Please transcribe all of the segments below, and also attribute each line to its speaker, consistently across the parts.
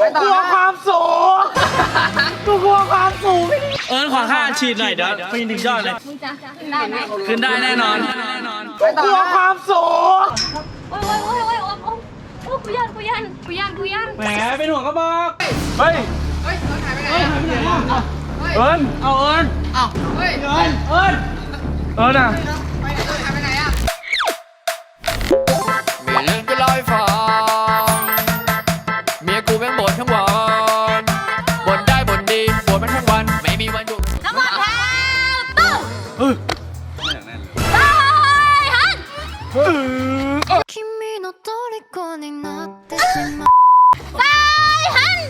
Speaker 1: กลัวความสูงกูกลัวความสูงขอค่าฉีดหน่อยเดี๋ยวปีนถึงยอดเลย
Speaker 2: มึงจะขึ้นได้ไหม
Speaker 1: ขึ้นได้แน่นอนกูกลัวความสูง
Speaker 2: โอ้ยกูยัน
Speaker 1: แหมเป็นห่วงก็บอกเฮ้ยเอิญเอาเอิญอ่ะ
Speaker 3: มีเรื่องจะเล่าให้ฟังเมียกูแม่งบ่นทั้งวันบ่นได้บ่นดีบ่นมันทั้งวันไม่มีวันหยุด
Speaker 2: ทั้งหมดแถวตู้ฮัน
Speaker 4: 君の虜になってしまう
Speaker 2: ไปฮัน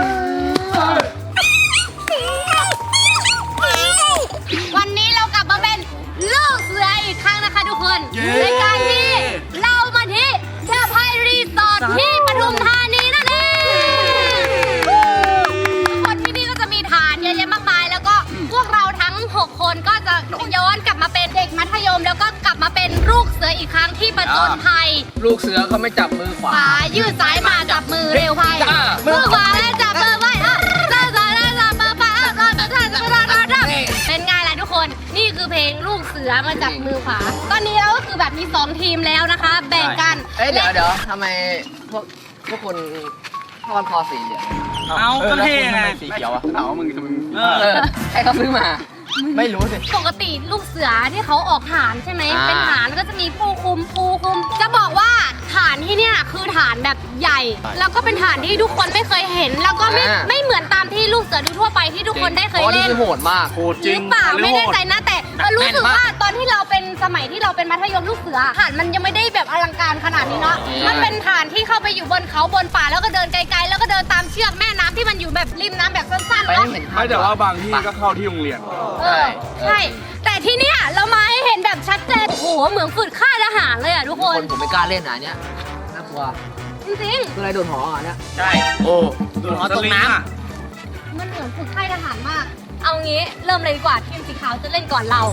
Speaker 2: วันนี้เรากลับมาเป็นลูกเสืออีกครั้งนะคะทุกคนในการที่เรามาที่เดอะไพรีสอร์ทที่ปทุมธานีนั่นเองทุกคนที่นี่ก็จะมีฐานเยอะแยะมากมายแล้วก็พวกเราทั้ง 6 คนก็จะย้อนกลับมาเป็นเด็กมัธยม แล้วก็กลับมาเป็นลูกเสืออีกครั้งที่ประจนภัย
Speaker 3: ลูกเสือเขาไม่จับมือขวา
Speaker 2: ขวายืดซ้ายมาจับมือเร็วไพ่มือขวาแล้วจับมือไว้ซ้ายแล้วจับมือไปเป็นไงล่ะทุกคนนี่คือเพลงลูกเสือมาจับมือขวาตอนนี้เราก็คือแบบมี2ทีมแล้วนะคะแบ่งกัน
Speaker 3: เดี๋ยวทำไมพวกคนทอดคอสีเหลือง
Speaker 1: เอาก็เท่ไง
Speaker 3: สีเขียวอะเอามึงให้เขาซื้อมาไม่รู้สิ
Speaker 2: ปกติลูกเสือที่เขาออกฐานใช่ไหมเป็นฐานก็จะมีผู้คุมจะบอกว่าฐานที่เนี่ยคือฐานแบบใหญ่ แล้วก็เป็นฐานที่ทุกคนไม่เคยเห็น แล้วก็ไม่เหมือนตามที่ลูกเสือทั่วไปที่ทุกคนได้เคยเล่น
Speaker 3: โหดมาก
Speaker 1: โหดจริง
Speaker 2: หรือเปล่าไม่แน่ใจนะแต่รู้สึกว่าตอนที่เราเป็นสมัยที่เราเป็นมัธยมลูกเสือฐานมันยังไม่ได้แบบอลังการขนาดนี้เนาะมันเป็นฐานที่เข้าไปอยู่บนเขาบนป่าแล้วก็เดินไกลๆแล้วก็เดินตามเชือกแม่น้ำที่มันอยู่แบบริมน้ำแบบสั้นๆเนาะ
Speaker 1: ไม่แต่ว่าบางที่ก็เข้าที่โรงเรียน
Speaker 2: ใช่แต่ที่เนี้ยเรามาให้เห็นแบบชัดเจนโหเหมือนฝึกค่ายทหารเลยอ่ะทุกคน
Speaker 3: ผมไม่กล้าเล่นนะเนี่ยน่ากลัว
Speaker 2: จริง
Speaker 3: คืออะไรโดนหออ่ะเนี่ย
Speaker 1: ใช่โอ้
Speaker 3: หอตกน้
Speaker 2: ๆมันเหมือนฝึกค่ายทหารมาก เอางี้เริ่มเลยดีกว่าทีมสีขาวจะเล่นก่อนเรา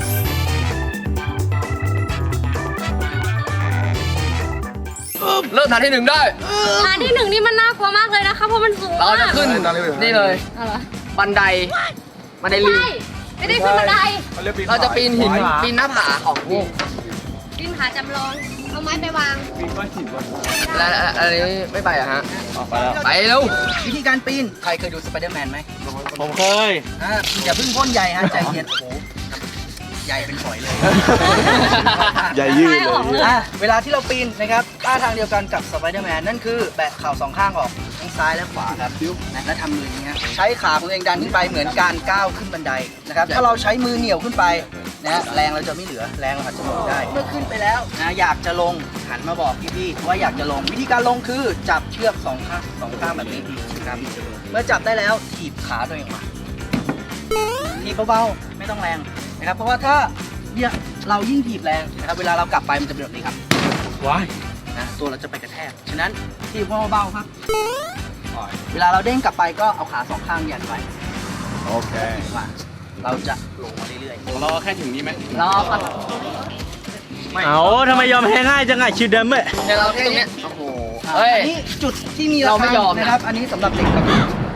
Speaker 3: เริ่มฐานที่ 1ได้
Speaker 2: ฐานที่1นี่มันน่ากลัวมากเลยนะคะเพราะมันสูง
Speaker 3: เรา
Speaker 2: มาก
Speaker 3: จะขึ้นนี่เลย
Speaker 2: อะไรวะ
Speaker 3: บันไดลิง
Speaker 2: ใช่ไม่ได้ขึ้นบันได
Speaker 3: เราจะปีนหินปีนหน้าผาของพวก
Speaker 2: ขึ้นผาจำลองเอาไม้ไปวาง
Speaker 3: แล้วอะไรไม่ไปอะฮะไปเร็ว
Speaker 5: วิธีการปีน ใครเคยดูสไปเดอร์แมนไหม
Speaker 1: ผมเคย
Speaker 5: อย่าเพิ่งพ่นใหญ่ฮะใจเย็นโอ้โหใหญ่เป็นฝอยเลย
Speaker 1: ใหญ่ยืดเลย
Speaker 5: เวลาที่เราปีนนะครับท่าทางเดียวกันกับสไปเดอร์แมนนั่นคือแบะเข่าสองข้างออกทั้งซ้ายและขวาครับและทำมืออย่างเงี้ยใช้ขาของตัวเองดันขึ้นไปเหมือนการก้าวขึ้นบันไดนะครับถ้าเราใช้มือเหนี่ยวขึ้นไปนะแรงเราจะไม่เหลือแรงเราอาจจะหมดได้เมื่อขึ้นไปแล้วนะอยากจะลงหันมาบอกพี่ๆว่าอยากจะลงวิธีการลงคือจับเชือกสองข้างแบบนี้ครับเมื่อจับได้แล้วถีบขาตัวเองมาถีบเบาๆไม่ต้องแรงนะครับเพราะว่าถ้าเนี่ยเรายิ่งถีบแรงนะครับเวลาเรากลับไปมันจะเป็นแบบนี้ครับ
Speaker 1: ว้าย
Speaker 5: นะตัวเราจะไปกระแทกฉะนั้นถีบเบาๆครับเวลาเราเด้งกลับไปก็เอาขาสองข้างยันไว้
Speaker 1: โอเค
Speaker 5: ว่าเราจะลงมาเรื่อยๆ
Speaker 1: รอแค่ถึงนี้ไหม
Speaker 3: รอก่อน
Speaker 1: เอาทำไมยอมแพ้ง่ายจังไงชิวเดิมเว้ย
Speaker 3: เดี๋ยวเราแค่นี้โอ้โหเฮ้ย
Speaker 5: อันนี้จุดที่มี
Speaker 3: เราไม่ยอมนะ
Speaker 5: นะครับ อันนี้สำหรับเด็กครับ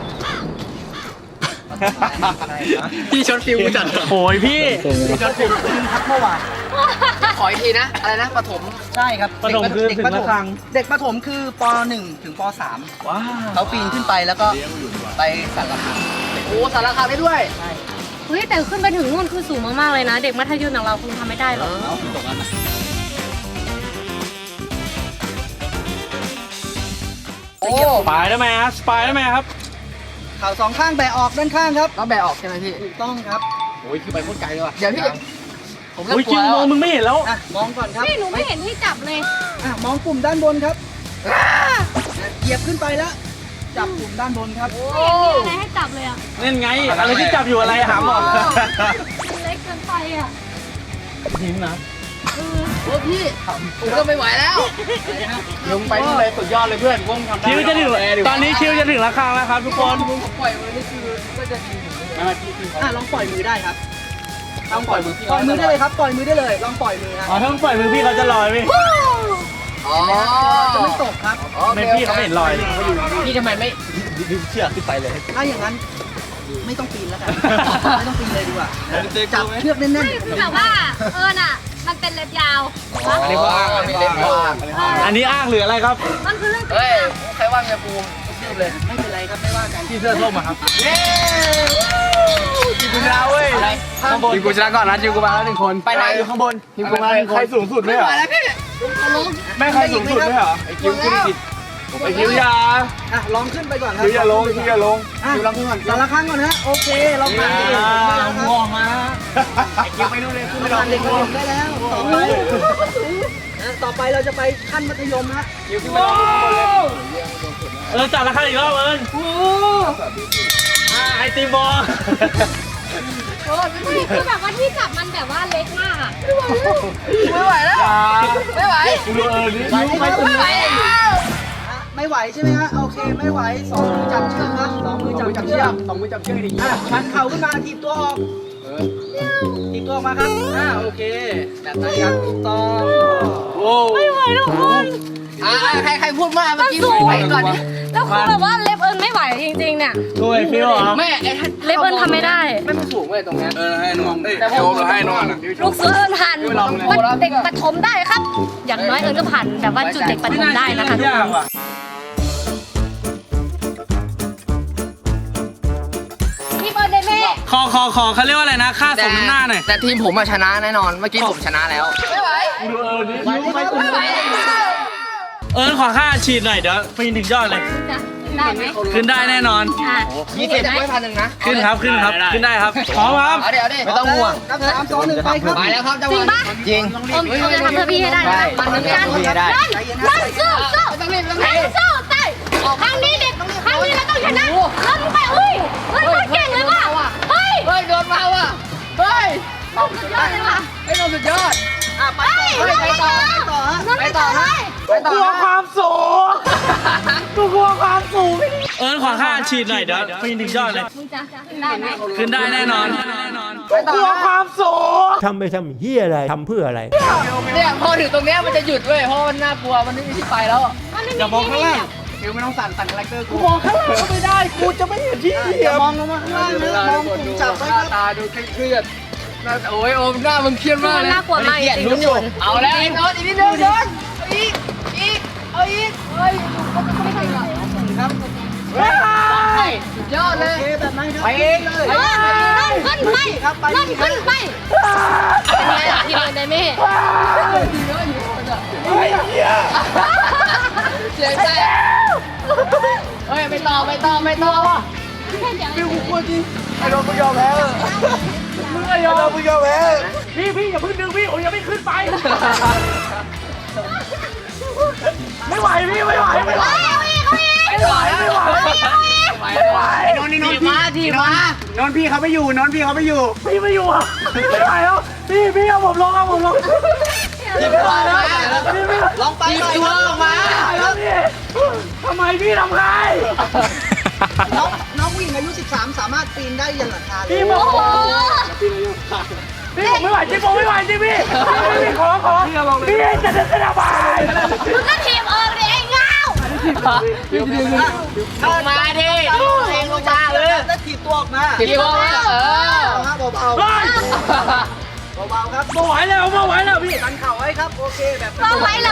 Speaker 3: พี่ชนฟิวจัด
Speaker 1: โอ้ยพี่
Speaker 5: ครับเมื่อวาน
Speaker 3: ขออีกทีนะ อะไรนะปฐม
Speaker 5: ใช่ครับ
Speaker 1: ประถมคือถึงละครั้ง
Speaker 5: เด็กประถมคือป .1 ถึงป .3
Speaker 1: ว้า
Speaker 5: เขาปีนขึ้นไปแล้วก็ไปสั่นระฆัง
Speaker 3: โอ้สารคามได้ด้วย
Speaker 5: ใช่
Speaker 2: เฮ้ยแต่ขึ้นไปถึงนู่นคือสูงมากๆเลยนะ เด็กมัธยมอย่างเราคงทำไม่ได้หรอก
Speaker 3: โอ้
Speaker 1: สปายได้ไหมฮะสปายได้ไหมครับ
Speaker 5: เข่าสองข้างแบะออกด้านข้างครับ
Speaker 3: ต้องแบะออกใช่ไหมพี่
Speaker 5: ถูกต้องครับ
Speaker 3: โอ้ยคือไปโคตรไกลเลยว่ะเดี๋ยวพี่ผมเริ่ม
Speaker 1: อุ้ย
Speaker 3: ก
Speaker 1: จ
Speaker 3: ลั
Speaker 1: ริ
Speaker 3: ว
Speaker 1: ง
Speaker 3: แล้ว
Speaker 1: มองมึงไม่เห็นแล้ว
Speaker 5: มองก่อนครับ
Speaker 2: พี่หนูไม่เห็นที่จับเลย
Speaker 5: มองปุ่มด้านบนครับเหยียบขึ้นไปแล้วจับปุ่มด้านบนครับ
Speaker 2: ไม่เห็นมีอะไรให้จับเลยอ่ะ
Speaker 1: นั่นไง อะไรที่จับอยู่อะไรหาหมอ
Speaker 2: มันเล็กเกินไปอ่ะ
Speaker 1: หินนะ
Speaker 3: โอ้พี่ผมก็ไม่ไหวแล้ว
Speaker 1: ลงไปที่เลยสุดยอดเลยเพื่อนวงทำได้คิวจะถึงตอนนี้คิวจะถึงราคาแล้วครับทุกคน
Speaker 3: ปล่อยมือนี่คือก็จะดี
Speaker 5: ลองปล่อยมือได้ครับลองปล่อยมือได้เลยครับ ปล่อยมือได้เลย ลองปล่อยมือฮะ
Speaker 1: อ๋อถ้ามึงปล่อยมือพี่เขาจะลอยไหม
Speaker 3: อ๋อ
Speaker 5: จะไม่ตกครับ
Speaker 1: เป็นพี่เขาไม่เห็นรอยเลย
Speaker 3: พี่ทำไมไม่
Speaker 1: ดึงเชือกขึ้นไปเลย
Speaker 5: ถ้าอย่างนั้นไม่ต้องปีนแล้วกัน ไม่ต้องปีนเลยดีกว่า จับเชือกแน่น
Speaker 2: ไม่คือแบบว่าน่ะมันเป็นเล็บยาว
Speaker 3: อันนี้ว่างอันนี้เล่นว่าง
Speaker 1: อันนี้อ้างหรืออะไรครับ
Speaker 2: มันคือเรื่องจริ
Speaker 3: เฮ้ย
Speaker 2: ง
Speaker 3: ใครว่างเนี่ยปูรีบเลย
Speaker 5: ๆไม่เป็นไรครับไม่ว่ากัน
Speaker 1: พี่เสื้อส้มอะครับ
Speaker 3: เย้
Speaker 1: ทีมกูชนะเว้ยข้างบนทีมกูชนะก่อนนะทีมกูมาแล้ว1 คน
Speaker 3: ไปไหน
Speaker 1: อยู่ข้างบนทีมกูมาแล้ว1 คนใครสูงสุดไหมเหรอไม่ใครสูงสุดไหมเหรอไอ้คิวขึ้นจิตไอ้คิวยา
Speaker 5: อ่ะลองขึ้นไปก่อนครับ
Speaker 1: คิวอย่าลงคิวอย่าลง
Speaker 5: อ่ะ
Speaker 1: คิวลองขึ้นก่อน
Speaker 5: แต่ละครั้งก่อนนะโอเคเราผ่านเด็กได้แล้วครับ
Speaker 1: ง่วงมาไอ้คิวไปนู่นเลยขึ้นไป
Speaker 5: เรา
Speaker 1: ลอ
Speaker 5: ผ่าง นเด็กได้แล้วต่อไปเราจะไปขั้นมัธยมฮะ
Speaker 1: คิวขึ้นไปลองข้างบนเลยจัดราคาอีกรอบไอติมบอล
Speaker 2: ไม่คือแบบว่าที่จับมันแบบว่าเล็กมากอะ
Speaker 3: ไม่ไหวแล้ว ไม่ไหว
Speaker 1: ดูนี่
Speaker 3: ไม่ไหวแล้ว
Speaker 5: ไม่ไหวใช่ไหมฮะโอเคไม่ไหวสองมือจับเชือกครับสองมือจับเชือก
Speaker 1: 2 มือจับเชือกดิ
Speaker 5: ชันเข่าขึ้นมาถีบตัวออกถีบตัวออกมาครับโอเคแบบนั้นครับถูกต้อง
Speaker 1: โอ้
Speaker 2: ไม่ไหวทุกคน
Speaker 3: ใครพูดมากเมื่อกี้
Speaker 2: มันสูง
Speaker 3: ไปก่อนดิ
Speaker 2: แล้วคือแบบว่าเล็บไม่ไหวจริงๆเนี่ย
Speaker 1: ดูไอ้ฟิวเหรอ
Speaker 3: แม่ไอ้
Speaker 2: เล็บทำไม่ได้
Speaker 3: ไม่สูงเลยตรงเนี้ย
Speaker 1: ให้นอน
Speaker 3: แต่ผมให้นอน
Speaker 2: ลูกเสือผ่านวัดเด็กประถมได้ครับ อย่างน้อยก็ผ่านแบบว่าจุดเด็กประถมได้นะคะทุกคนพี่เบิร์ดเดย์แม่
Speaker 1: ขอเขาเรียกว่าอะไรนะค่าสมน้ำหน้าหน่อย
Speaker 3: แต่ทีมผมชนะแน่นอน เมื่อกี้ผมชนะแล้ว ไม่ไหว ไม่ไหว
Speaker 1: ขอค่าฉีดหน่อยเดี๋ยวปีนถึงยอดเลย
Speaker 2: ได้ไหม
Speaker 1: ขึ้นได้แน่นอน
Speaker 3: 20จะไม่1,000นะ
Speaker 1: ขึ้นครับขึ้นได้ครับพร้อมครับ
Speaker 3: เอาเดี๋ยวดิไม่ต้องห่วง
Speaker 5: นับ3 2 1ไปครับ
Speaker 3: ไปแล้วครับจังห
Speaker 2: จริง
Speaker 3: วะ
Speaker 2: ปะ
Speaker 3: จริง
Speaker 2: ผมจะทำเพื่อพี่ให้ได้นะมันเหมือนกันนั่นสู้สู้นั่นสู้ใช่ครั้งนี้เด็กครั้งนี้เราต้องชนะแล้วมึงไปเฮ้ยเก่งเลยว่ะเฮ้ย
Speaker 3: เฮ้ยโดนมาว่ะ เฮ้ย
Speaker 2: สุดยอดเลยว่ะ
Speaker 3: ไอ้โดนสุดยอด
Speaker 5: ไปต่อฮะ
Speaker 3: ไปต่อนะ
Speaker 1: กลัวความสูงกลัวความสูงขอค่าฉีดหน่อยเดี๋ยวปีนถึงยอดเลย
Speaker 2: มึงจะได้ไหม
Speaker 1: ขึ้นได้แน่นอน
Speaker 3: ไปต่อก
Speaker 1: ลัวความสูง
Speaker 6: ทำไปทำเฮียอะไร ทำเพื่ออะไร
Speaker 3: เนี่ยพอถึงตรงเนี้ยมันจะหยุดเว้ยเพราะมันน่ากลัวมันไม่มีที่ไปแล้ว
Speaker 1: อย่ามองข้างล่าง
Speaker 5: ฟิวไม่ต้องสั่นคาแรคเตอร์กู
Speaker 1: มองข้างล่างก็ไม่ได้กูจะไม่เห็นที่เหยี
Speaker 5: อย ย่า
Speaker 1: บ
Speaker 5: มองลงมาข้างล่างนะมองกลุ่มจับไว้ครับ
Speaker 3: ตาดูเครียดโอ้ยโอมหน้ามึงเครียดมาก
Speaker 2: มัน
Speaker 3: เลย
Speaker 2: น่ากลัวมากจริงๆทุกคน
Speaker 3: เอาแล้วไอ้โน้ตอีกนิดนึงโน้ตอีกเอาอีกเฮ้ย
Speaker 5: ครับ
Speaker 3: สุดยอดเล
Speaker 5: โอย เคแบบนั้นครับ
Speaker 3: ไปเอง
Speaker 5: เลย
Speaker 2: ขึ้นไปขึ้นไปเป็นไงล่ะพี่เบิร์ดเดย์แม่
Speaker 3: เสียใจเฮ้ยไม่ต่อว่ะ
Speaker 1: ฟิวกูกลัวจริงไอ้โดนมึงยอมแพ้มึงไอ้โดนมึงยอมแพ้พี่อย่าเพิ่งดึงพี่โอ้ยยังไม่ขึ้นไปไม่ไหวพี่ไม่ไหวไม่ไหวไม่ไหวไม่ไหวไม่ไหว
Speaker 3: นอนพี่นอนพี่เขาไม่อยู่นอนพี่เขาไม่อยู่
Speaker 1: พี่ไม่อยู่อ่ะไม่ไหวแล้วพี่เอาผมลงไม่ไหวแล้วพี่ไม่
Speaker 5: ลองไปหน่อยครับลงมา
Speaker 1: แล้วพี่ทำไมพี่ทำใคร
Speaker 5: น้องผู้หญิงอายุ 13 สามารถปีนได้ยันหลังคาเลย
Speaker 1: พี่บอกพี่ผมไม่ไหวจริงผมไม่ไหวจริงพี่ขอพี่จะระบาย
Speaker 2: มึงก็ทีมเลยไอ้เงา
Speaker 3: ลงมาดิ
Speaker 5: เองลงมาเลยแล้วถีบตัวออกมา
Speaker 3: คิดว่า
Speaker 5: เบาๆเบาๆครับ
Speaker 1: ไม่ไหวแล้วพี่
Speaker 5: ดันเข่าไว้ครับโอเคแบบ
Speaker 2: เราไว้เลย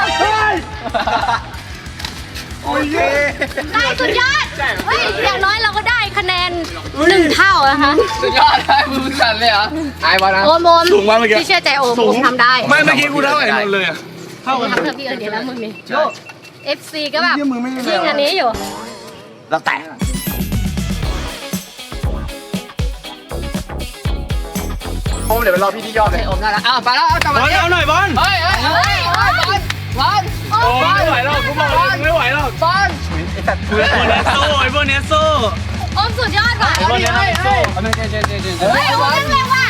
Speaker 5: โอเค
Speaker 2: ได้สุดยอดเฮ้ยอย่างน้อยเราก็ได้คะแนน1 เท่านะคะ
Speaker 3: สุดยอดเลยมือสั่นเลยเหรอไอ้บอลนะ
Speaker 2: โอมพี่เชื่อใจโอมทำได้
Speaker 1: ไม่เมื่อกี้กูเท่าไหร่นนเลยอ่ะ
Speaker 2: ทำเพื่อพี่เดี๋ยวแล้วมึงนี่ FC ก็แบบยิ่งอันนี้อยู่
Speaker 1: เราแตะ
Speaker 3: โอมเดี๋ยวไปรอพี่ที่ยอดเลยโอมได้แล้วไปแล้วเอากลับบ
Speaker 1: อ
Speaker 3: มา
Speaker 1: ลเอาหน่อยบอล
Speaker 3: เฮ้ยบอล
Speaker 1: โอ้ไม่ไหวหรอกกูบอกเลยไม่ไหวหรอก
Speaker 3: บอล
Speaker 1: พวกเนสโซ่
Speaker 2: โอมสุดยอดว่ะ
Speaker 1: พวกเนสโซ่
Speaker 2: เฮ้ยโอมเล่นเร็วว่ะ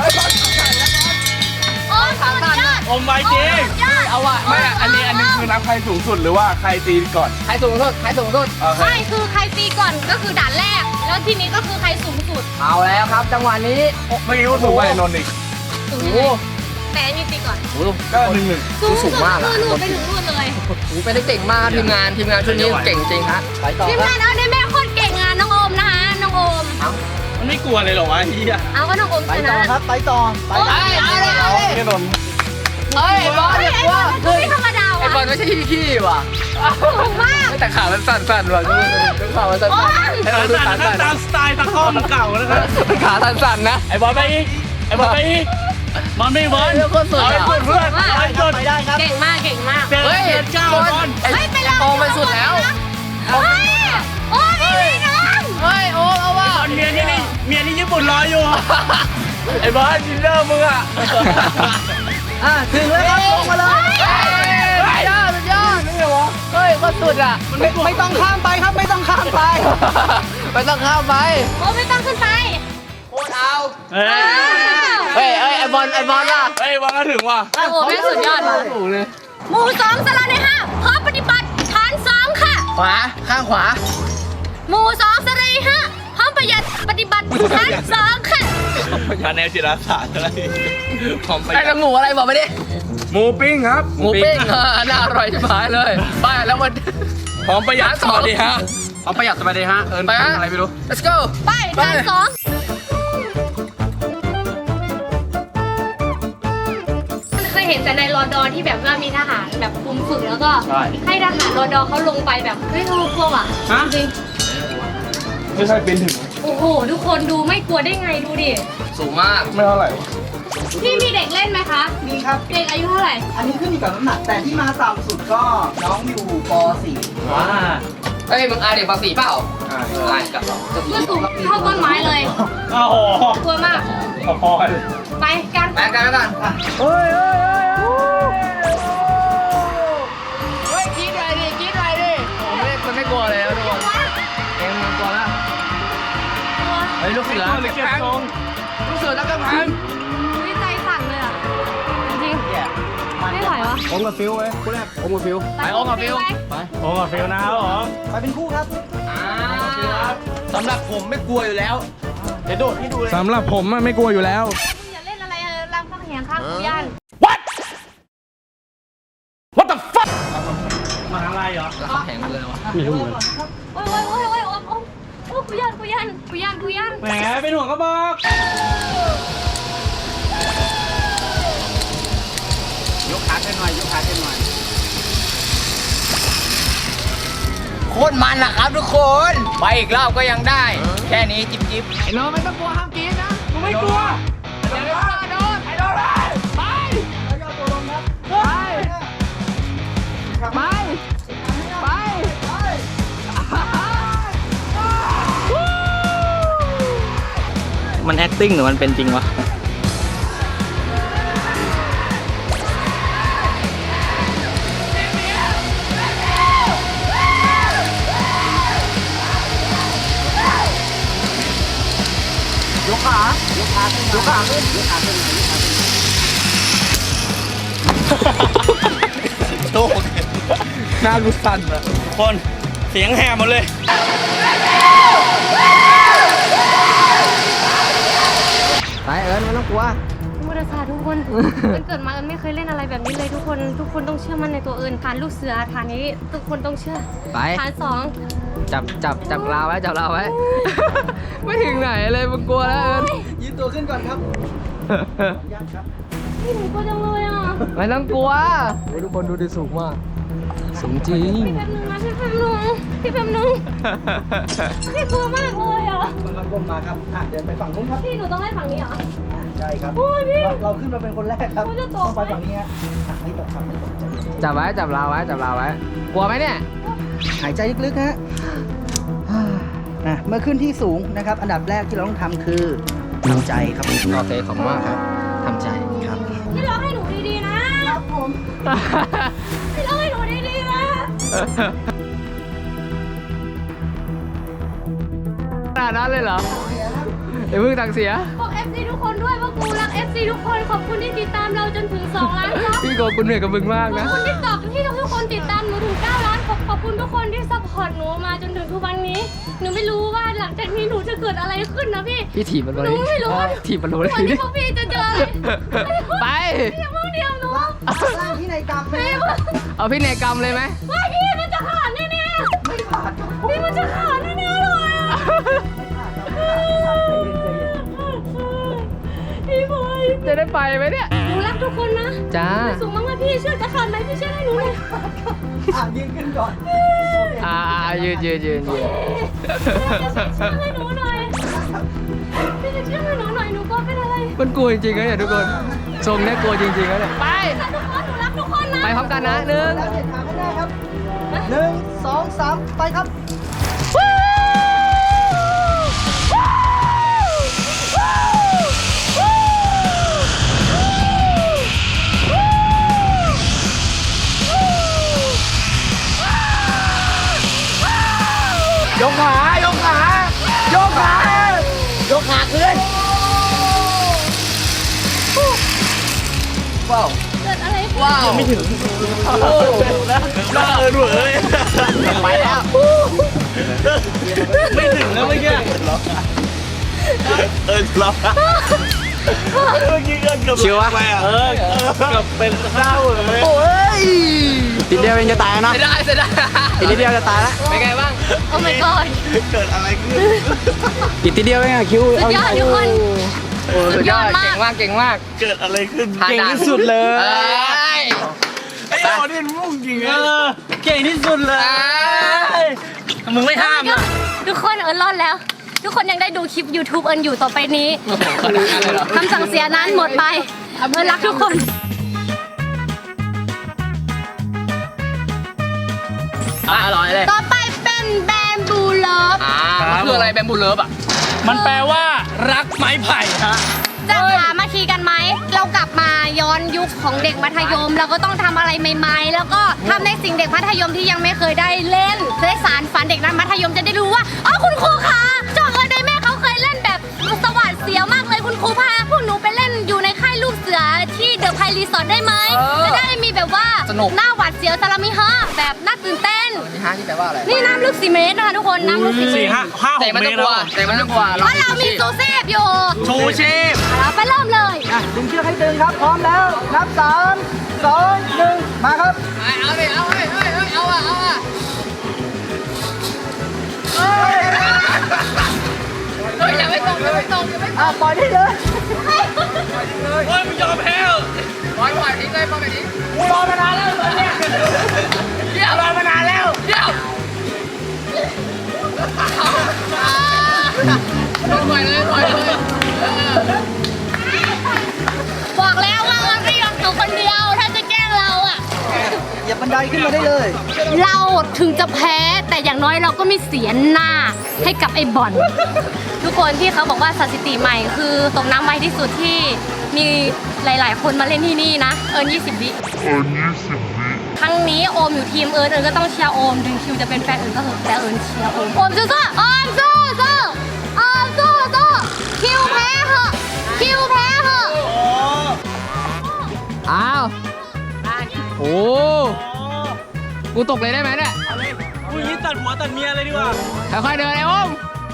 Speaker 2: โอมสุดยอด
Speaker 1: อมไว้จริง
Speaker 3: เอาว่ะ
Speaker 1: ไม่อันนี้คือนับใครสูงสุดหรือว่าใครตีก่อน
Speaker 3: ใครสูงสุด
Speaker 2: ไม่คือใครตีก่อนก็คือด่านแรก แล้วทีนี้ก็คือใครสูงสุด
Speaker 3: เอาแล้วครับจังหวะนี้
Speaker 1: เมื่อกี้กูสูงกว่าไอ้นนท์อีก
Speaker 2: สูง
Speaker 3: โอ้
Speaker 2: แต่นี่ตีก่อน
Speaker 3: โอ้โหก็สูงมากอะ
Speaker 2: หนูไปถึงนู่นเลย
Speaker 3: โอ้โหเป็นได้เก่งมากทีมงานชุดนี้เก่งจริงฮะ
Speaker 5: ไปต่อ
Speaker 2: ทีม
Speaker 5: ครับ
Speaker 2: งานเอาได้แม่โคตรเก่งอ่ะน้องโอมนะคะน้องโอม
Speaker 1: มันไม่กลัวเลยเหรอวะเฮีย
Speaker 2: เอาก็น้องโอม
Speaker 5: ไป
Speaker 2: ช
Speaker 5: ต่อ
Speaker 2: นะครับ
Speaker 5: ไปต่อไปต่อ
Speaker 1: ไม่โดน
Speaker 3: เฮ้ยไอ้บอล
Speaker 2: เฮ้ย
Speaker 3: เนี่ย
Speaker 2: ไอ้
Speaker 3: ว่า
Speaker 2: บอลไม่ธรรมดา
Speaker 3: ไอ้บอล
Speaker 2: ว่ะ
Speaker 3: ไม่ใช่ขี้ว่ะ
Speaker 2: ถูกมาก
Speaker 3: แต่ขามันสั่นๆว่ะดูขามันสั่น
Speaker 2: โอ๊ย
Speaker 3: ๆให้เราดูขา
Speaker 1: สั่
Speaker 3: สั่
Speaker 1: นตาม
Speaker 3: น
Speaker 1: สไตล์ตะข้อมเก่านะครับ
Speaker 3: ๆขาสั่นๆนะ
Speaker 1: ไอ้บอลไปอีกไอ้บอลไปอีกมันไม่บอล
Speaker 3: เรื่องโคตรสุด
Speaker 1: เอา
Speaker 3: อะ
Speaker 1: ไอ้เพื่อนเอาไอ้จุด
Speaker 5: ไปได้ครับ
Speaker 2: เก่งมากเก่งมาก
Speaker 1: เจอ
Speaker 3: เฮ้ย
Speaker 1: เจ็ดเก้า
Speaker 3: บอล
Speaker 1: บอล
Speaker 3: ไอ้
Speaker 2: เฮ้ยไปเลย
Speaker 3: โตไปสุดแล้ว
Speaker 2: เฮ้ยโอ้ยพี่น้อง
Speaker 3: เฮ้ยโอ้เอาว่ะ
Speaker 1: ตอนเมียที่ญี่ปุ่นรออยู่ไอ้บอลดินเนอร์มึงอ่ะ
Speaker 5: ถึงแล้วครับลงมาเลย
Speaker 3: สุดยอดเฮ้ยโคตรสุดอ่ะ
Speaker 5: ไม่ต้องข้ามไปครับไม่ต้องข้ามไป
Speaker 3: ไม่ต้องเข้าไป
Speaker 2: โอ้ไม่ต้องขึ้นไป
Speaker 3: โคตรเอา
Speaker 1: เฮ้ย
Speaker 3: เฮ้ยไอ้บอลล่ะ
Speaker 1: เฮ้ยบอลก็ถึงว่ะ
Speaker 2: โอ้โหแม่งสุดยอดว่ะ
Speaker 3: ถูกเลย
Speaker 2: หมู่สองสลัดในห้าพร้อมปฏิบัติฐานสองค่ะ
Speaker 3: ขวาข้างขวา
Speaker 2: หมู่สองสลัดในห้าพร้อมประหยัดปฏิบัติฐานสองค่ะ
Speaker 1: คะแนนจิตอาสาอะไรพร้อมไป
Speaker 3: ไอ้กับหมูอะไรบอกไปดิ
Speaker 1: หมูปิ้งครับ
Speaker 3: หมูปิ้งน่าอร่อยชิบหายเลยไปแล้วมัน
Speaker 1: พร้อมประหยัดสวัสดีฮะ
Speaker 3: พร้อมประหยัดสบายดีฮะไปฮะอะไรไม่รู้ let's go
Speaker 2: ไปฐานสองเคยเห็นแต่ในรอดอที่แบบว่ามีทหารแบบคุมฝึกแล้วก็ให้ทหารรอดอเขาลงไปแบบเฮ้ยกลัวอ่ะจริง
Speaker 1: ไม่ใช่เป็นถึง
Speaker 2: โอ้โหทุกคนดูไม่กลัวได้ไงดูดิ
Speaker 3: สูงมาก
Speaker 1: ไม่เท่าไหร่
Speaker 2: พี่มีเด็กเล่นไหมคะ
Speaker 5: มีครับ
Speaker 2: เด็กอายุเท่าไหร่
Speaker 5: อันนี้ขึ้นอยู่กับน้ำหนัก แต่ที่มาต่ำสุดก็น้องอยู่ป .4
Speaker 1: ว้า
Speaker 3: เฮ้ยมึงอายเด็กภาษีเปล่าอายกับ
Speaker 2: มันสูงเท่าต้นไม้เลย
Speaker 1: โอ้โห
Speaker 2: กลัวมาก
Speaker 1: พอๆกัน
Speaker 2: ไปกัน
Speaker 3: แบกกันแล้วกัน
Speaker 1: เฮ้ยเฮ้ยเฮ้ย
Speaker 3: เฮ้ยคิดอะไรดิคิดอะไรดิมันไม่กลัวเลยทุกคนเองมันกลัวแล้วเฮ้ยลูกเสือ
Speaker 1: หรือเก็บทรง
Speaker 3: ลูกเสือนักกำแพง
Speaker 2: วิใจสั่นเลยอ่ะ จริงๆไม่ไหววะ
Speaker 1: ผมกับฟิวไว้คู่แรกผมกับฟิว
Speaker 3: ไปโอ้กับฟิว
Speaker 2: ไป
Speaker 1: ผมกับฟิวนะครับผม
Speaker 5: ไปเป็นคู่ครับ
Speaker 3: สำหรับผมไม่กลัวอยู่แล้วเดี๋ยวโดดให้ดูเลย
Speaker 1: สำหรับผมไม่กลัวอยู่แล้ว
Speaker 2: อย่าเล่นอะไรรำข้างแหงข้างกูย่าน
Speaker 1: What the fuck มาทางไรเหรอ
Speaker 3: แล้วเขาแข่งกันเลยวะ
Speaker 1: ไม่รู้เหมือน
Speaker 2: โอ้ยกูย่านกูย่าน
Speaker 1: แหมเป็นห่วงก็บอก
Speaker 3: ยกขาขึ้นหน่อยยกขาขึ้นหน่อยโคตรมันนะครับทุกคนไปอีกรอบก็ยังได้ แค่นี้จิ๊บจิ๊บไอ้น้องไม่ต้องกลัวห้ามกินนะ
Speaker 1: กูไม่กลัว
Speaker 3: เดี๋ยวโดนไอ้โดนไป
Speaker 5: แล้วย่อตัวลงครับ
Speaker 3: ไปไป
Speaker 5: มัน acting หรือมันเป็นจริงวะ ยกขาขึ้นยกขาขึ้นยกขาขึ้น
Speaker 1: โต้หน้ากูสั่นอะทุกคนเสียงแหบหมดเลย
Speaker 5: ไปเอิญไม่ต้องกลัว
Speaker 2: มุทสาทุกคน มันเกิดมาเอิญไม่เคยเล่นอะไรแบบนี้เลยทุกคนต้องเชื่อมั่นในตัวเอิญฐานลูกเสือฐานนี้ทุกคนต้องเชื่อ
Speaker 3: ไป
Speaker 2: ฐานสอง
Speaker 3: จับราวไว้จับราวไว้ ไม่ถึงไหนเลยมึงกลัวแล้วเอิญ
Speaker 5: ยืนตัวขึ้นก่อนครับ
Speaker 2: พี่หนูกลัวจังเลยอ่ะ
Speaker 3: ไม่ต้องกลัวทุกคนดูดิสูงมากสูงจริง
Speaker 2: พี่แป๊บนึงนะพี่แป๊บนึงพี่กลัวมากเลยอ่ะ
Speaker 5: มันก้มมาครับเดินไปฝั่งนู้นครับ
Speaker 2: พี่หนูต้องให้ฝั่งนี้เหรอ
Speaker 5: ใช่ครับ
Speaker 2: โอ้ยพี่
Speaker 5: เราขึ้นมาเป็นคนแรกครับ
Speaker 2: เขาจะต
Speaker 5: ต้
Speaker 2: ก
Speaker 5: องไปฝั่งนี้ฮะไม่ตกครับไม่ตก
Speaker 3: จับไว้จับราวไว้จับราวไว้ กลัวไหมเนี่ย
Speaker 5: หายใจลึกๆฮะเมื่อขึ้นที่สูงนะครับ อันดับแรกที่เราต้องทำคือทำใจครับ
Speaker 3: โอเคขอบคุณมากครับทำใจ
Speaker 5: ครับ
Speaker 2: พี่ร้องให้หนูดีๆนะครับผมพี่ร้องให้หนูดีๆนะ
Speaker 3: ขนาดนั้นเลยเหรอเดี๋ยวเพิ่งตังเสีย
Speaker 2: บอก FC ทุกคนด้วยว่ากูรัก FC ทุกคนขอบคุณที่ติดตามเราจนถึง2 ล้านครับ
Speaker 3: พี่โกคุณเหนื่อยกับมึงมาก
Speaker 2: ขอบ
Speaker 3: นะ
Speaker 2: คุณที่ตอบที่ทุกคนติดตามหนูถึง9 ล้านขอบคุณทุกคนที่ซัพพอร์ตหนูมาจนถึงทุกวันนี้ หนูไม่รู้ว่าหลังจากนี้หนูจะเกิดอะไรขึ้นนะพี่
Speaker 3: พี่ถีบมันเลย
Speaker 2: หนูไม่รู้ว่า
Speaker 3: ถีบมันเลย
Speaker 2: วันนี้พวกพี่จะเจออะไร
Speaker 3: ไป
Speaker 2: อย่าเพิ่งเดียวหนู
Speaker 5: ร่างที่ในกรรมไหม
Speaker 3: เอาพี่เนกรรมเลยไหม
Speaker 2: ว่าพี่มันจะขาดแน่ๆไม่ขาดพี่มันจะขาดแน่ๆเลยอะพี่บอย
Speaker 3: จะได้ไปไหมเนี่ย
Speaker 2: หนูรักทุกคนนะ
Speaker 3: จ้า
Speaker 2: สูงมากๆพี่เชื่อจะขาดไหมพี่เชื่อให้หนูเลย
Speaker 5: ยืนขึ้นก่อน
Speaker 3: ยืน
Speaker 2: เชื่อให้หนูหน่อยพี่จะเชื่อให้หนูหน่อยหนูก็เป็นอะไร
Speaker 3: มันกลัวจริงๆนะเนี่ยทุกคนทรงเนี่ยกลัวจริงๆนะเนี่ยไป
Speaker 2: ทุกคนหนูรักทุกคนนะ
Speaker 3: ไปพร้อมกันนะหนึ่ง
Speaker 5: แล้วเหยียดขาไม่ได้ครับ1 2 3ไปครับ
Speaker 1: ยกขายกขายกขายกขาขึ้น
Speaker 5: ว้าว
Speaker 2: เกิดอะไรขึ้น
Speaker 3: ว้าว
Speaker 1: ไม่ถึงน่าเอินเว้ยไปแล้วไม่ถึงแล้วเมื่อกี้ล็อกเมื่อกี้เกินเกือบ
Speaker 3: ชิวอะ
Speaker 1: เกือบเป็นข้าวเลย
Speaker 5: โอ้ย
Speaker 3: ติดเดียวเองจะตายนะเสียดายอีกนิดเดียวจะตายแล้วเป็นไงบ้าง
Speaker 2: โอ้ my god
Speaker 1: เกิดอะไรขึ้น
Speaker 3: อีกทีเดียวเองอะคิว
Speaker 2: สุดยอดทุกคน
Speaker 3: โอ้สุดยอด
Speaker 2: สุดยอดมาก
Speaker 3: เก่งมาก
Speaker 1: เกิดอะไรขึ้น
Speaker 3: เก่งที่สุดเลย
Speaker 1: ไอ้โอนี่มุ่งจริงเก่งที่สุดเลยมึงไม่ห้ามนะ
Speaker 2: ทุกคนเอิญรอดแล้ว ทุกคนยังได้ดูคลิป YouTube เอิญอยู่ต่อไปนี้คำสั่งเสียนั้นหมดไปเอิญรักทุกคน
Speaker 3: อร่อยเลย
Speaker 2: ต่อไปเป็นแบมบูเลิฟ
Speaker 3: คืออะไรแบมบูเลิฟอ่ะ
Speaker 1: มันแปลว่ารักไม้ไผ่ฮะ
Speaker 2: จะสามัคคีกันไหม เรากลับมาย้อนยุคของเด็กมัธยม เราก็ต้องทำอะไรใหม่ๆ แล้วก็ทำในสิ่งเด็กมัธยมที่ยังไม่เคยได้เล่นจะได้สารฝันเด็กนั้นมัธยมจะได้รู้ว่าอ๋อคุณครูคะจอเอิญไดแม่เขาเคยเล่นแบบสวัสดเสียวมากเลยคุณครูพาพวกหนูไปเล่นอยู่ในค่ายลูกเสือที่เดอะไพรีสอร์ทได้ไหมจะได้มีแบบว่าหน้าหวาดเสียวซาลามิฮะแบบน่าตื่นเต้น
Speaker 3: นี่ฮะที่แปลว่าอะไร
Speaker 2: นี่น้ำลึก4 เมตรนะคะทุกคนน้ำลึก4 เมตร
Speaker 1: 5
Speaker 3: แต่
Speaker 1: 6
Speaker 3: มัน
Speaker 1: เม
Speaker 3: ต้อ
Speaker 1: ต
Speaker 3: ง
Speaker 1: ร
Speaker 3: กลัวแต่มันต้องกลัว
Speaker 2: เพราะเรามีซูเซฟอยู่
Speaker 1: ชูชีพ
Speaker 2: เราไปเริ่มเลย
Speaker 5: ดึงเชือกให้ตึงครับ พร้อมแล้ว นับ 3 2 1 มาครับ
Speaker 3: เอาดิเอาอ่ะอย่าไม่ตก
Speaker 5: ปล่อยได้เลย
Speaker 1: เฮ้ยมึงยอมแพ้
Speaker 3: ปล่อยทิ้งเลยปล่อยไปทิ้ง
Speaker 1: กูรอมานานแล้วเนี่ยรอมานานแล้ว
Speaker 3: เดี๋ยวปล่อยเลย
Speaker 2: บอกแล้วว่าเราไม่ยอมอยู่คนเดียว ถ้าจะแกล้งเราอะ
Speaker 5: อย่าบันไดขึ้นมาได้เลย
Speaker 2: เราถึงจะแพ้แต่อย่างน้อยเราก็ไม่เสียหน้าให้กับไอ้บอลทุกคนที่เขาบอกว่าสถิติใหม่คือตกน้ำไวที่สุดที่มีหลายๆ คนมาเล่นที่นี่นะเอิญ20 วิครั้งนี้โอมอยู่ทีมเอิญก็ต้องเชียร์โอมถึงคิวจะเป็นแฟนเอิญก็เถอะแต่เอิญเชียร์โอมสู้ๆโอมสู้ๆโอมสู้ๆคิวแพ้เหอะคิวแพ้เหอะ
Speaker 3: อ้าวโอ้กูตกเลยได้ไหมเนี่ย
Speaker 1: กูยิ้ตัดหัวตัดเมียเลยดีกว่า
Speaker 3: ค่อยๆเดินไอ้โอม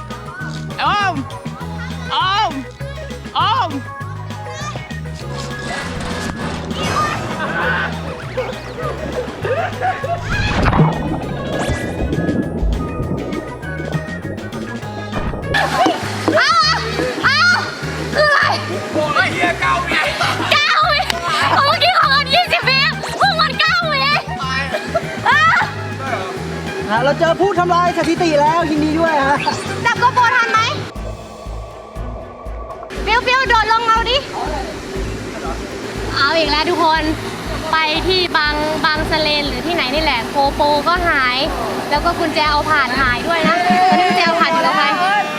Speaker 2: เอาคืออะไร
Speaker 1: โอ้ยเฮีย9 วิ
Speaker 2: 9 วิเมื่อกี้ของเอิญ20 วิพวกมัน9 วิอ่ะ
Speaker 5: เราเจอผู้ทำลายสถิติแล้วยินดีด้วยฮะ
Speaker 2: จับโกโปรทันไหมฟิวโดดลงเอาดิ เอาอีกแล้วทุกคนไปที่บางสะเลนหรือที่ไหนนี่แหละโกโปรก็หาย แล้วก็กุญแจเอาผ่านหายด้วยนะตอนนี้กุญแจเอาผ่านอยู่กับใคร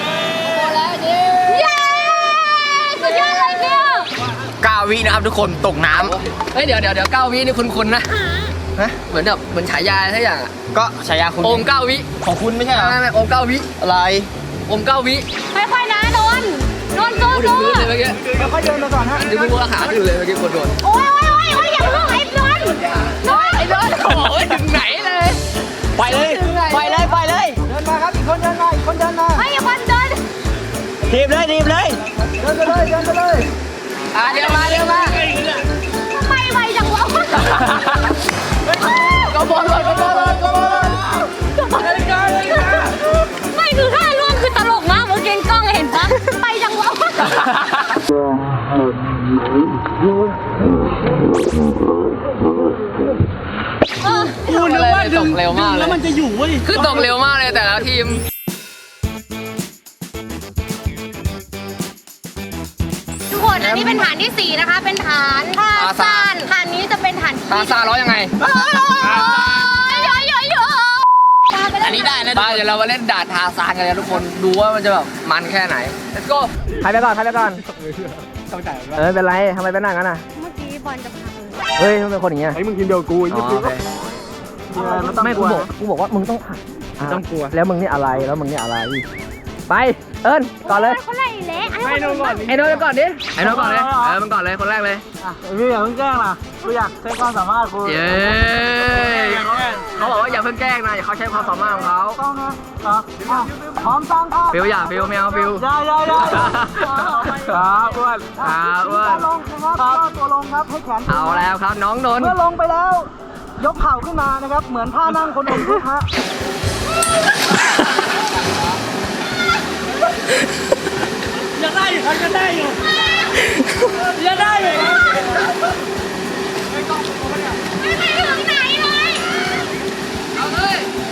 Speaker 2: เย้สุดยอดเลยฟิว
Speaker 3: 9 วินะครับทุกคนตกน้ำเฮ้ยเดี๋ยว9 วินี่คุ้นๆนะเหมือนฉายาอะไรสักอย่างอะ
Speaker 5: ก็ฉายาคุณ
Speaker 3: โอม9 วิ
Speaker 5: ของคุณไม่ใช่เหรอ
Speaker 3: ไม่โอม9 วิ
Speaker 5: อะไร
Speaker 3: โอม9 วิ
Speaker 2: ค่อยๆนะนนท์สู้
Speaker 3: พูดถึงพื้นเลยเมื่อกี้
Speaker 5: ค่อยๆเดินมาก่อนฮะ
Speaker 3: ดึงมือขาขึ้นเลยเมื่อกี้คนโดน
Speaker 2: โอ้ยอย่าเพิ่งไอ้นนท์
Speaker 3: ไอ้โดนโอ้ยถึงไหนเลย
Speaker 1: ไปเลยทีบเลยทีบเลย
Speaker 5: เดินไปเลยเดินไปเลย
Speaker 3: เดี๋ยวมา
Speaker 2: ทำไมไวจังวะ
Speaker 3: ก็บอลเลย
Speaker 2: ไม่คือท่าล่วงคือตลกมากเมื่อกี้กล้องเห็นปะไปจังวะ
Speaker 1: กูนึกว่าดึง
Speaker 3: เร็วมากเลย
Speaker 1: แล้วมันจะอยู่เว้ย
Speaker 3: คือตกเร็วมากเลยแต่ละทีม
Speaker 2: ทุกคนอันนี้เป็นฐานที่ 4 นะคะ เป็นฐานท่าซานฐานนี้จะเป็นฐานที่
Speaker 3: ตาซาร้อยยังไง
Speaker 2: อันนี้ได้นะ
Speaker 3: บ้าเดี๋ยวเรามาเล่นด่านทาซานกันเลยทุกคนดูว่ามันจะแบบมันแค่ไหน let's go
Speaker 5: ใครไปก่อนเป็นไรทำไมเป็นอย่างนั้นอ่ะ
Speaker 2: เมื่อกี้บอลจะพัง
Speaker 5: เฮ้ยมันเป็นคนอย่างเงี้ย
Speaker 1: ไอ้มึงทีมเดียวกู
Speaker 5: อ๋อโอเคไม่กูบอกว่ามึงต้องผ่าน
Speaker 1: ต้องกลัว
Speaker 5: แล้วมึงนี่อะไรแล้วมึงนี่อะไรไปเอิญก่อนเลย
Speaker 2: คนไหนเละ
Speaker 1: ไม่โดนก่อน
Speaker 5: ไอ้โน้ตก่อนดิไอ้โน้ตก่อนเลยมึงก่อนเลยคนแรกเลย
Speaker 1: พี่อย่าเพิ่งแกล้งนะกูอยากใช้ความสามารถกู
Speaker 5: เย้เขาบอกว่าอย่าเพิ่งแกล้งนะอย่าเขาใช้ความสามารถของเขา
Speaker 1: ต้องนะครับพร้อมตั้งท่า
Speaker 5: ฟิวอย่าฟิวไม่เอาฟิว
Speaker 1: ได้ครับอ้วน
Speaker 5: ครับอ้วน
Speaker 1: ลงนะครับตัวลงครับให้แขน
Speaker 5: เอาแล้วครับน้องนนท์
Speaker 1: เมื่อลงไปแล้ว ยกเข่าขึ้นมานะครับ เหมือนท่านั่งคนอมทุกข์ฮะ ยังได้อยู่ครับยังได้อยู่ยังได้อยู่
Speaker 2: ไม่ไปถึงไหนเลย
Speaker 3: เอาเลย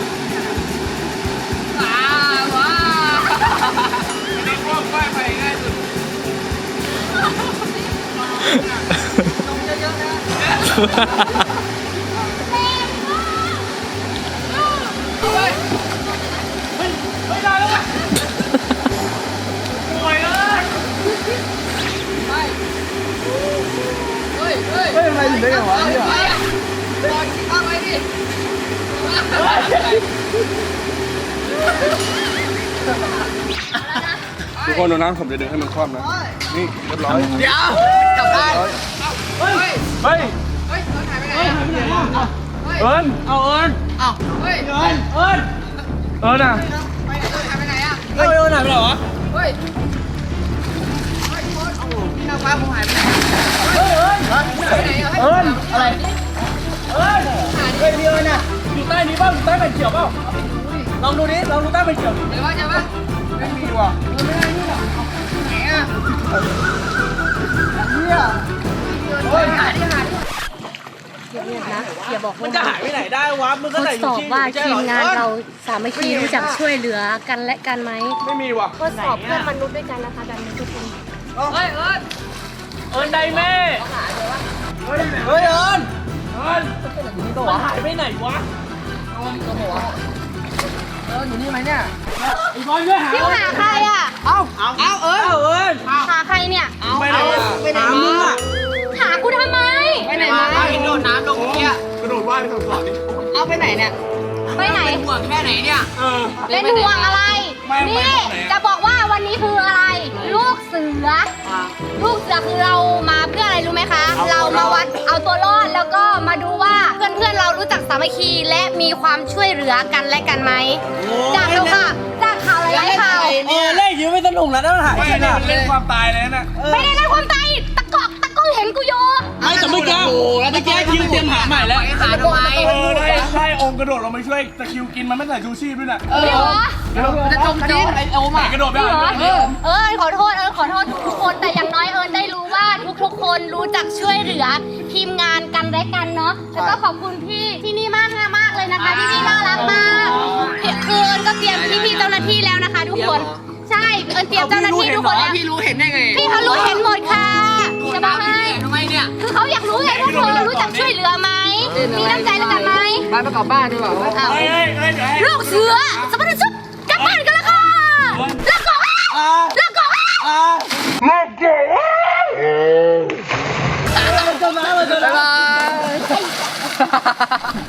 Speaker 3: ว้าไม่ได้ควบค่อยไปง่ายสุดลงเยอะๆนะเอาไป
Speaker 1: ไม่ได้แล้วปล่อยเลย
Speaker 3: ไปเฮ้ย
Speaker 5: ไม่เป็นไรถึงได้ไงวะเนี่ย
Speaker 3: ไปอ่ะบอลเข้าไปดิ
Speaker 7: ทุกคนดูนะผมจะดึงให้มันคว่ำนะ นี่เรียบร้อย
Speaker 3: เดี๋ยวกลับบ้านเฮ้ย
Speaker 1: เฮ้ย
Speaker 3: เฮ้ยเอิญหายไปไหนอ่ะ
Speaker 1: เอิญเอาเอิญ
Speaker 3: เอ้าเฮ้ย
Speaker 1: เอิญเอิญอ่ะ
Speaker 3: ไปไหนเอิญหายไปไหนอ่ะ
Speaker 1: เอิญหายไปไหนวะ
Speaker 3: เฮ้ยเฮ้ยโค้ชโอ้โหพี่นางฟ้าผมหายไปไหนหายไปไหนอ่ะ
Speaker 1: เอิญอะไรเอิญเฮ้ยพี่เอิญอ่ะอยู่ใต้นี้ป่ะอยู่ใต้แผ่นเขียวเปล่าลองดูดิลองดูใต้แผ่นเขียวดิ
Speaker 3: เดี๋ยวว่าจะปะ
Speaker 1: ไม่มีว่ะ
Speaker 3: ไหนอ่ะ
Speaker 1: เนี่ย
Speaker 3: เฮ้ยหาดิ
Speaker 2: อย่าบอก
Speaker 1: มันจะหายไปไหนได้วะมึงก็
Speaker 2: ทด
Speaker 1: ใส่อ
Speaker 2: ส
Speaker 1: ยู่
Speaker 2: อบ
Speaker 1: ที่
Speaker 2: ว่าทีมงานเราสามัคคีรู้จักช่วยเหลือกันและกันไหม
Speaker 1: ไม่มีว่ะ
Speaker 2: ทดสอบเพื่อนมนุษย์ด้วยกันนะคะแบบนี้ทุกคน
Speaker 3: เฮ้ยเอิญ
Speaker 1: เอิญไดแม่เฮ้ยเอิญเอิญมันหายไปไหนวะ
Speaker 3: เอิญอยู่นี่ไหมเนี่ย
Speaker 1: ไอ้บอลด้วยหา
Speaker 2: พี่หาใครอ่ะ
Speaker 1: เอาเอิญ
Speaker 2: หาใครเนี่ย
Speaker 1: ไปไหนไปไหนมึงอ่ะ
Speaker 2: หากูทำไม
Speaker 3: ไปไหนมาโดดน้ำลงเนี่ย
Speaker 7: กระโดดว่ายไปทางขวาดิ
Speaker 3: เอาไปไหนเนี่ย
Speaker 2: ไปไหน
Speaker 3: ห่วงแค่ไหนเนี่ย
Speaker 2: เป็นห่วงอะไร นี่จะบอกว่าวันนี้คืออะไร ลูกเสือ ลูกเสือคือเรามาเพื่ออะไรรู้ไหมคะ เรามาวัดเอาตัวรอดแล้วก็มาดูว่าเพื่อนๆเรารู้จักสามัคคีและมีความช่วยเหลือกันและกันไหม จากเราค่ะ จากข่าวหลายๆข่าว
Speaker 1: เล่นยิ้มไม่สนุกแล้วนะหายไปไหนเล่นความตายเลยนะ
Speaker 2: ไม่ได้เล่นความตายตะกอกเห็นกูโย
Speaker 1: ไม่แต่เมื่อกี้คิวเตรียมหาใหม่แล้ว
Speaker 3: หาทำไม
Speaker 7: ใช่องค์กระโดดลงไปช่วยตะคิวกินมันไม่ใส่ชูชีพด้วยน่ะ
Speaker 2: พี่หรอ
Speaker 3: จะจมจมไอโอม
Speaker 7: ไหน
Speaker 3: อ่ะ
Speaker 7: กระโดดไป
Speaker 2: พี่หรอ
Speaker 7: หา
Speaker 2: ขอโทษขอโทษทุกๆคนแต่อย่างน้อยได้รู้ว่าทุกๆคนรู้จักช่วยเหลือทีมงานกันและกันเนาะแล้วก็ขอบคุณพี่ที่นี่มากเลยนะคะที่นี่น่ารักมากคือก็เตรียมพี่เจ้าหน้าที่แล้วนะคะ ทุกคนใช่เตรียมเจ้าหน้าที่ทุกคนแล้ว
Speaker 3: พี่รู้เห็นได้ไง
Speaker 2: พี่เขารู้เห็นหมดค่ะจะบอกให้
Speaker 3: ทำไมเนี่ย
Speaker 2: คือเขาอยากรู้ไงพวกเธอรู้จักช่วยเหลือไหมมีน้ำใจแล้วกันไหม
Speaker 3: บ้านประกอบบ้านดีกว่า
Speaker 2: ลูกเสือสมบัติชุบกลับบ้านกันแล้วค่ะแล้วก็แล้วก็
Speaker 3: บ๊ายบาย